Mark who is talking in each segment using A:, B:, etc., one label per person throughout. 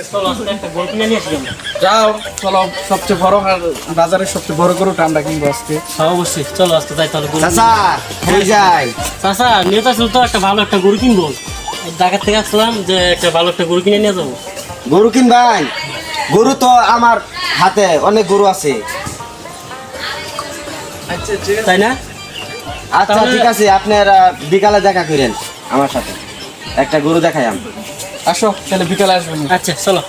A: চলো আজকে একটা গরু কিনে নিয়ে আসি আমরা।
B: যাও চলো, সবচেয়ে বড় বাজারের সবচেয়ে বড় গরুটা আমরা কিনবো আজকে।
A: হ্যাঁ অবশ্যই, চলো আজকে যাই তাহলে গরু
C: চাচা কই যাই?
A: চাচা নেতা ছিল তো একটা ভালো একটা গরু কিনবো, ঢাকার থেকে আসলাম যে একটা ভালো একটা গরু কিনে নিয়ে যাবো।
C: গরু কিনবাই? গরু তো আমার হাতে অনেক গরু আছে।
B: আচ্ছা ঠিক আছে।
A: তাই না?
C: আচ্ছা
A: তাহলে-
C: ঠিক আছে, আপনারা বিকালে দেখা করেন আমার সাথে, একটা গরু দেখাই আমি।
B: আসো তাহলে বিকালে আসবেন।
A: আচ্ছা চলো।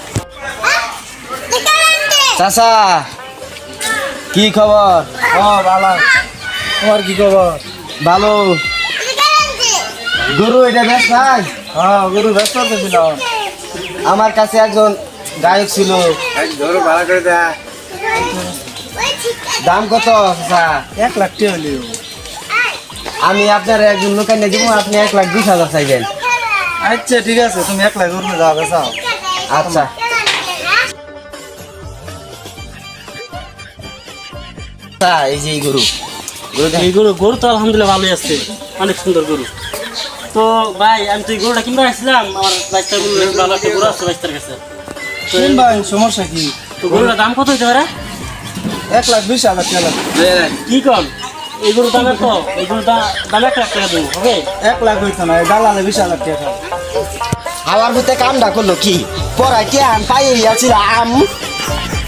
C: চাচা কি খবর?
B: ও ভালো, তোমার কি খবর?
C: ভালো। গরু এটা বেশ ভাই,
B: হ্যাঁ গরু ব্যস্ত ছিল।
C: আমার কাছে একজন গায়ক ছিল।
B: গরু ভাড়া করে দেয়।
C: দাম কত চাচা?
B: 1 লাখ টাকা হইলো।
C: আমি আপনার একজন লোক এনে দিব, আপনি 1,20,000 চাইবেন।
B: আচ্ছা ঠিক আছে, তুমি 1 লাখ গরু যাও বেচাও।
C: আচ্ছা এই যে এই গরু, গরু দেখ।
A: এই গরু তো আলহামদুলিল্লাহ ভালোই আছে, অনেক সুন্দর গরু। তো ভাই আমি তো এই গরুটা কিনতে আসছিলাম, আমার বাইশটার গরু ভালো একটা গরু আছে বাইশটার কাছে। তো
B: ভাই সমস্যা কি?
A: তো গরুটার দাম কত হইতে পারে?
B: 1,20,000 টাকা।
A: কি কম এই গরুর দামের তো, এই গরুর দাম 1 লাখ টাকা দেবো হবে?
B: 1 লাখ হইতো না, দালালে 20,000 টাকা।
C: আমার ভিতরে কামটা করলো কি? পড়াই কে আম পাই আছিলাম।